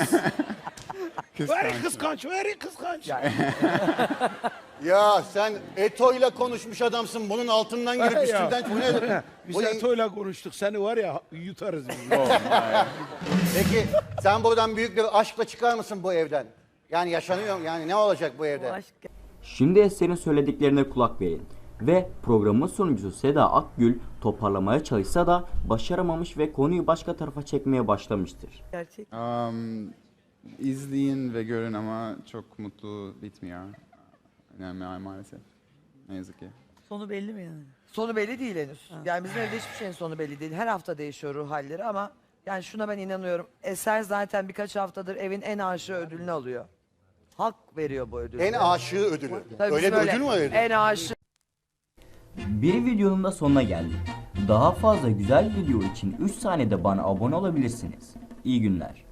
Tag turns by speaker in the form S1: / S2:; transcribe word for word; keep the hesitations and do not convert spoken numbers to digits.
S1: Very kıskanç, very kıskanç.
S2: Ya sen Eto'yla konuşmuş adamsın. Bunun altından girip
S1: Ya.
S2: üstünden... Bu ne?
S1: Biz
S2: Bu ne?
S1: Eto'yla konuştuk. Seni var ya yutarız biz.
S2: Peki sen buradan büyük bir aşkla çıkar mısın bu evden? Yani yaşanıyor mu? Yani ne olacak bu evde?
S3: Aşk.
S4: Şimdi Eser'in söylediklerine kulak verin. Ve programın sunucusu Seda Akgül toparlamaya çalışsa da başaramamış ve konuyu başka tarafa çekmeye başlamıştır.
S3: Gerçek.
S5: Um, izleyin ve görün ama çok mutlu bitmiyor. Yani ma- maalesef. Ne yazık ki.
S3: Sonu belli mi yani?
S6: Sonu belli değil henüz. Yani bizim evde hiçbir şeyin sonu belli değil. Her hafta değişiyor ruh halleri ama yani şuna ben inanıyorum. Eser zaten birkaç haftadır evin en aşığı ödülünü alıyor. Halk veriyor bu ödülü.
S2: En aşığı ödülü.
S6: Tabii
S2: Öyle
S6: bizim
S2: bir ödül mü öyle?
S6: En aşığı.
S4: Bir videonun da sonuna geldik. Daha fazla güzel video için üç saniyede bana abone olabilirsiniz. İyi günler.